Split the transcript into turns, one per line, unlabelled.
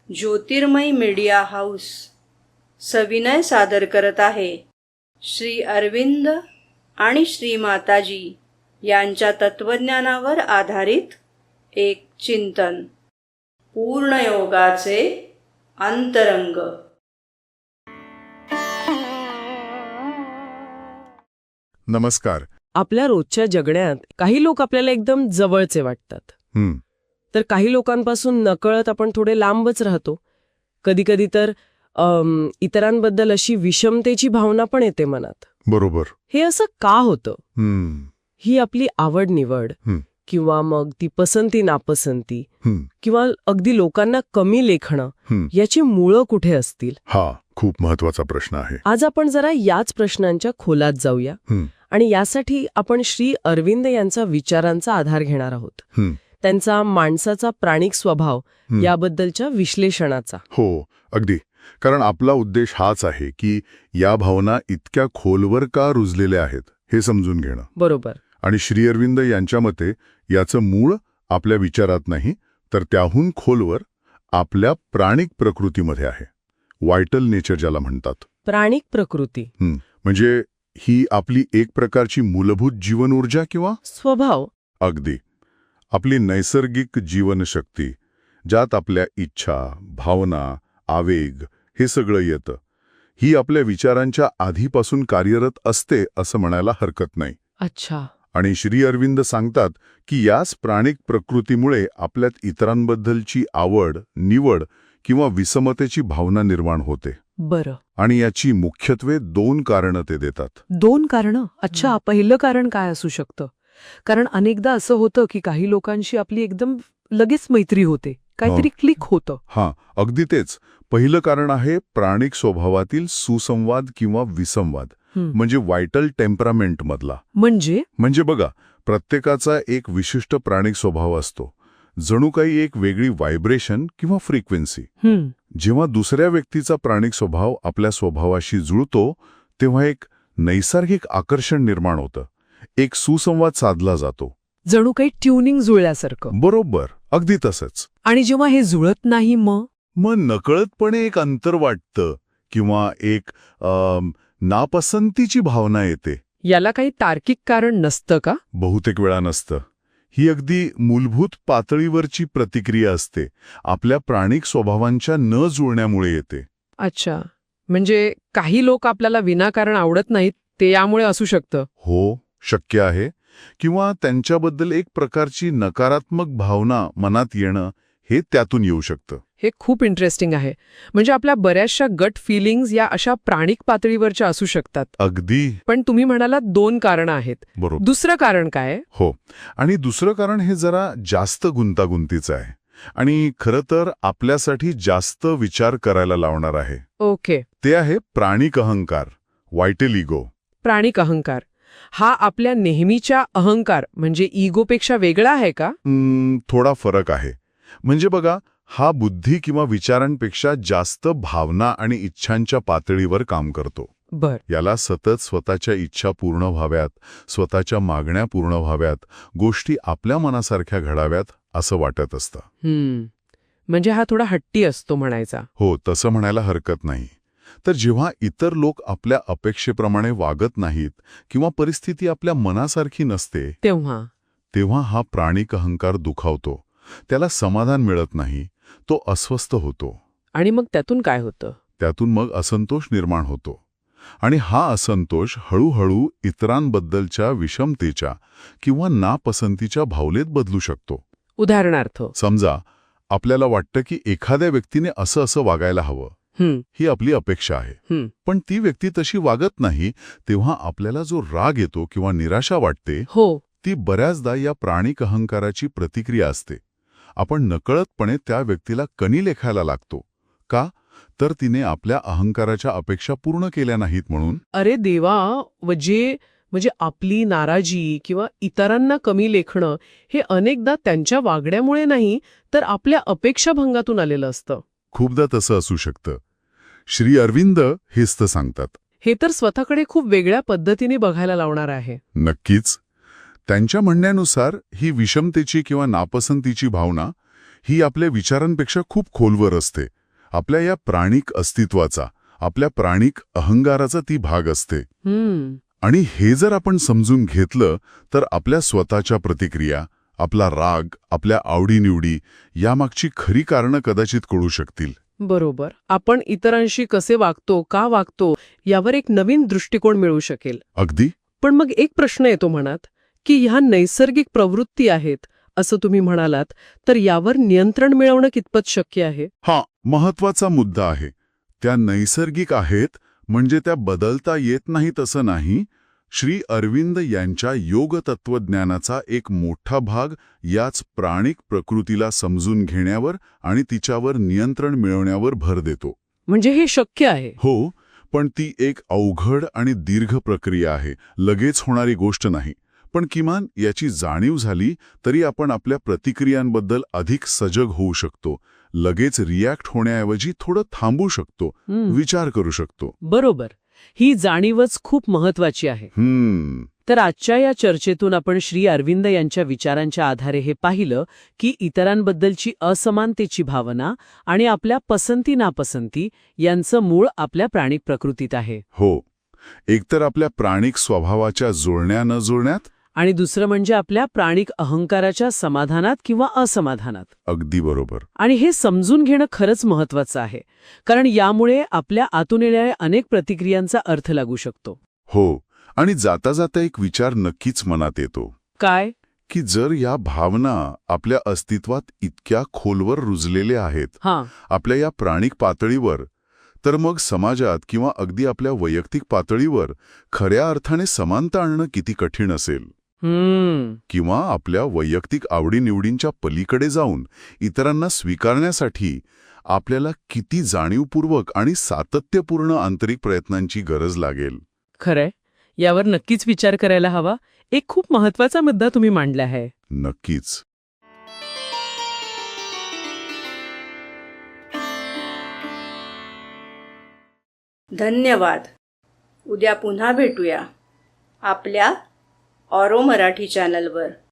ज्योतिर्मय media house सविनय सादर करत आहे श्री अरविंद आणि श्री माताजी यांच्या तत्वज्ञानावर आधारित एक चिंतन. पूर्णयोगाचे अंतरंग.
नमस्कार.
आपल्या रोजच्या जगण्यात काही लोक आपल्याला एकदम जवळचे वाटतात, तर काही लोकांपासून नकळत आपण थोडे लांबच राहतो. कधीकधी तर इतरांबद्दल अशी विषमतेची भावना पण येते मनात.
बरोबर.
हे असं का होतं? ही आपली आवड निवड किंवा मग ती पसंती नापसंती किंवा अगदी लोकांना कमी लेखणं याची मुळं कुठे असतील?
हा खूप महत्वाचा प्रश्न आहे.
आज आपण जरा याच प्रश्नांच्या खोलात जाऊया आणि यासाठी आपण श्री अरविंद यांचा विचारांचा आधार घेणार आहोत. त्यांचा माणसाचा प्राणिक स्वभाव याबद्दलच्या विश्लेषणाचा.
हो, अगदी. कारण आपला उद्देश हाच आहे की या भावना इतक्या खोलवर का रुजलेल्या आहेत हे समजून घेणं.
बरोबर.
आणि श्री अरविंद यांच्या मते याचं मूळ आपल्या विचारात नाही, तर त्याहून खोलवर आपल्या प्राणिक प्रकृतीमध्ये आहे. व्हायटल नेचर ज्याला म्हणतात.
प्राणिक प्रकृती
म्हणजे ही आपली एक प्रकारची मूलभूत जीवन ऊर्जा किंवा
स्वभाव.
अगदी आपली नैसर्गिक जीवनशक्ती, ज्यात आपल्या इच्छा, भावना, आवेग हे सगळं येतं. ही आपल्या विचारांच्या आधीपासून कार्यरत असते असं म्हणायला हरकत नाही.
अच्छा.
आणि श्री अरविंद सांगतात की याच प्राणिक प्रकृतीमुळे आपल्यात इतरांबद्दलची आवड, निवड किंवा विषमतेची भावना निर्माण होते.
बरं.
आणि याची मुख्यत्वे 2 कारणं ते देतात.
2 कारणं? अच्छा. पहिलं कारण काय असू शकतं? कारण अनेकदा असं होतं की काही लोकांशी आपली एकदम लगेच मैत्री होते, काहीतरी क्लिक होतं.
हां, अगदी तेच. पहिलं कारण आहे प्राणिक स्वभावातील सुसंवाद किंवा विसंवाद, म्हणजे व्हायटल टेम्परामेंट मधला. म्हणजे बघा, प्रत्येकाचा एक विशिष्ट प्राणिक स्वभाव असतो, जणू काही एक वेगळी व्हायब्रेशन किंवा फ्रिक्वेन्सी. जेव्हा दुसऱ्या व्यक्तीचा प्राणिक स्वभाव आपल्या स्वभावाशी जुळतो तेव्हा एक नैसर्गिक आकर्षण निर्माण होतं, एक सुसंवाद साधला जातो.
जणू काही ट्युनिंग जुळल्यासारखं.
बरोबर, अगदी तसंच.
आणि जेव्हा हे जुळत नाही मग
नकळतपणे एक अंतर वाटतं किंवा एक नापसंतीची भावना येते.
याला काही तार्किक कारण नसतं का?
बहुतेक वेळा नसतं. ही अगदी मूलभूत पातळीवरची प्रतिक्रिया असते, आपल्या प्राणिक स्वभावांच्या न जुळण्यामुळे येते.
अच्छा. म्हणजे काही लोक आपल्याला विनाकारण आवडत नाहीत, ते यामुळे असू शकतं.
हो, शक्य आहे. किंवा त्यांच्याबद्दल एक प्रकारची नकारात्मक भावना मनात येणं हे त्यातून येऊ शकतं.
हे खूप इंटरेस्टिंग आहे. म्हणजे आपल्या बऱ्याचशा गट फिलिंग्स या अशा प्राणिक पातळीवरच्या असू शकतात.
अगदी.
पण तुम्ही म्हणालात 2 कारणं आहेत.
बरोबर.
दुसरं कारण काय?
हो, आणि दुसरं कारण हे जरा जास्त गुंतागुंतीचं आहे आणि खरं तर आपल्यासाठी जास्त विचार करायला लावणार आहे.
ओके.
ते आहे प्राणिक अहंकार, व्हायटल इगो.
प्राणिक अहंकार हा आपल्या नेहमीच्या अहंकार म्हणजे इगोपेक्षा वेगळा आहे का?
थोडा फरक आहे. म्हणजे बघा, हा बुद्धी किंवा विचारांपेक्षा जास्त भावना आणि इच्छांच्या पातळीवर काम करतो.
बर.
याला सतत स्वतःच्या इच्छा पूर्ण व्हाव्यात, स्वतःच्या मागण्या पूर्ण व्हाव्यात, गोष्टी आपल्या मनासारख्या घडाव्यात असं वाटत असतं.
म्हणजे हा थोडा हट्टी असतो म्हणायचा.
हो, तसं म्हणायला हरकत नाही. तर जेव्हा इतर लोक आपल्या अपेक्षेप्रमाणे वागत नाहीत किंवा परिस्थिती आपल्या मनासारखी नसते, तेव्हा हा प्राणिक अहंकार दुखावतो. त्याला समाधान मिळत नाही, तो अस्वस्थ होतो.
आणि मग त्यातून काय होतं?
त्यातून मग असंतोष निर्माण होतो. आणि हा असंतोष हळूहळू इतरांबद्दलच्या विषमतेच्या किंवा नापसंतीच्या भावनेत बदलू शकतो.
उदाहरणार्थ,
समजा आपल्याला वाटतं की एखाद्या व्यक्तीने असं वागायला हवं, ही आपली अपेक्षा आहे, पण ती व्यक्ती तशी वागत नाही, तेव्हा आपल्याला जो राग येतो किंवा निराशा वाटते, ती बऱ्याचदा या प्राणिक अहंकाराची प्रतिक्रिया असते. आपण नकळतपणे त्या व्यक्तीला कणी लेखायला लागतो. का? तर तिने आपल्या अहंकाराच्या अपेक्षा पूर्ण केल्या नाहीत म्हणून.
अरे देवा. म्हणजे आपली नाराजी किंवा इतरांना कमी लेखणं हे अनेकदा त्यांच्या वागण्यामुळे नाही, तर आपल्या अपेक्षाभंगातून आलेलं असतं.
खूपदा तसं असू शकतं. श्री अरविंद हेच तर सांगतात.
हे तर स्वतःकडे खूप वेगळ्या पद्धतीने बघायला लावणार आहे.
नक्कीच. त्यांच्या म्हणण्यानुसार ही विषमतेची किंवा नापसंतीची भावना ही आपल्या विचारांपेक्षा खूप खोलवर असते, आपल्या या प्राणिक अस्तित्वाचा, आपल्या प्राणिक अहंकाराचा ती भाग असते. आणि हे जर आपण समजून घेतलं तर आपल्या स्वतःच्या प्रतिक्रिया, आपला राग, आपल्या आवडीनिवडी यामागची खरी कारणं कदाचित कळू शकतील.
बरोबर. आपण इतरांशी कसे वागतो, का वागतो, यावर एक नवीन दृष्टिकोन मिळू शकेल.
अगदी.
पण मग एक प्रश्न येतो मनात, की ह्या नैसर्गिक प्रवृत्ती आहेत, असं तुम्ही म्हणालात, तर यावर नियंत्रण मिळवणं कितपत शक्य आहे?
हा महत्वाचा मुद्दा आहे. त्या नैसर्गिक आहेत म्हणजे त्या बदलता येत नाहीत असं नाही. श्री अरविंद यांच्या योग तत्वज्ञानाचा एक मोठा भाग याच प्राणिक प्रकृतीला समजून घेण्यावर आणि तिच्यावर नियंत्रण मिळवण्यावर भर देतो.
म्हणजे हे शक्य आहे.
हो, पण ती एक अवघड आणि दीर्घ प्रक्रिया आहे, लगेच होणारी गोष्ट नाही. पण किमान याची जाणीव झाली तरी आपण आपल्या प्रतिक्रियांबद्दल अधिक सजग होऊ शकतो. लगेच रिॲक्ट होण्याऐवजी थोडं थांबू शकतो, विचार करू शकतो.
बरोबर. ही जाणीवच खूप महत्वाची आहे. तर आजच्या या चर्चेतून आपण श्री अरविंद यांच्या विचारांच्या आधारे हे पाहिलं की इतरांबद्दलची असमानतेची भावना आणि आपल्या पसंती नापसंती यांचं मूळ आपल्या प्राणिक प्रकृतीत आहे.
हो, एकतर आपल्या प्राणिक स्वभावाच्या जुळण्या न जुळण्यात,
आणि दुसरं म्हणजे आपल्या प्राणिक अहंकाराच्या समाधानात किंवा असमाधानात.
अगदी बरोबर.
आणि हे समजून घेणं खरंच महत्वाचं आहे, कारण यामुळे आपल्या आतून येणाऱ्या अनेक प्रतिक्रियांचा अर्थ लागू शकतो.
हो, आणि जाता जाता एक विचार नक्कीच मनात येतो.
काय?
की जर या भावना आपल्या अस्तित्वात इतक्या खोलवर रुजलेल्या आहेत, आपल्या या प्राणिक पातळीवर, तर मग समाजात किंवा अगदी आपल्या वैयक्तिक पातळीवर खऱ्या अर्थाने समानता आणणं किती कठीण असेल. किंवा आपल्या वैयक्तिक आवडीनिवडींच्या पलीकडे जाऊन इतरांना स्वीकारण्यासाठी आपल्याला किती जाणीवपूर्वक आणि सातत्यपूर्ण आंतरिक प्रयत्नांची गरज लागेल.
खरंय, यावर नक्कीच विचार करायला हवा. एक खूप महत्वाचा मुद्दा तुम्ही मांडला आहे.
नक्कीच.
धन्यवाद. उद्या पुन्हा भेटूया आपल्या ऑरो मराठी चॅनलवर.